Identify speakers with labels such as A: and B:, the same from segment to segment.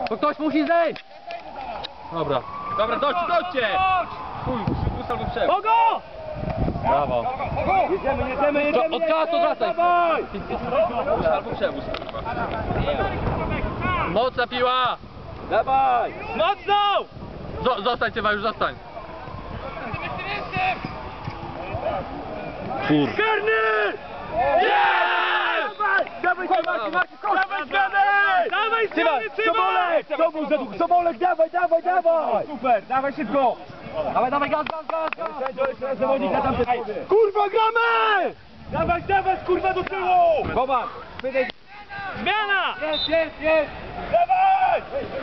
A: To ktoś musi zejść! Dobra.
B: Dobra, dojdźcie! Chuj, przywóz albo przewóz.
C: Kogo?
A: Brawo.
C: Jedziemy!
A: Od czasu wracaj!
C: Dawaj!
B: Albo przewóz, kurwa.
A: Mocna piła!
C: Dawaj! Mocno!
A: Zostań, Cywa, już zostań. Kur...
C: Karny! Jest! Dawaj, Marcin! Dawaj zmiany! Dawaj zmiany, Sobolek! Sobolek, dawaj! Super, dawaj szybko! Dawaj, gaz! Kurwa, gramy! Dawaj, kurwa, do tyłu! Boba! Zmiana! Jest! Dawaj!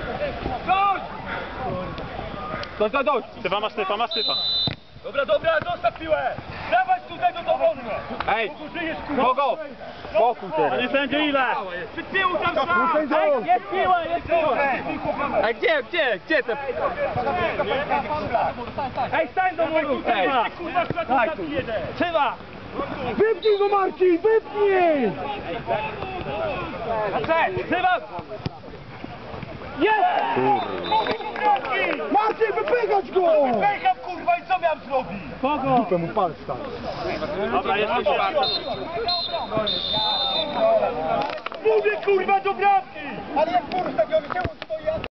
C: Dość!
D: Stypa, masz stypa.
C: Dobra, zostaw piłę! Dawaj tutaj do dowolny! Ej! Kogo? Spokój teraz!
D: Nie sędzie ile?
C: Przy tyłu tam sam! Ej, jest piła!
A: A gdzie te...
C: Ej, stań do mojego tutaj! Kurwa, tak, Trzeba!
E: Wypnij go, Marcin, wypnij!
C: Trzeba! Jest!
E: Marcin, wypychać go!
C: Wypycham, kurwa, i co miałem zrobić?
E: Kogo? Dupę mu palc tam.
D: Dobra, jeszcze czwarty.
C: Mówię, kurwa, do bramki!
E: Ale jak kurwa, stoi,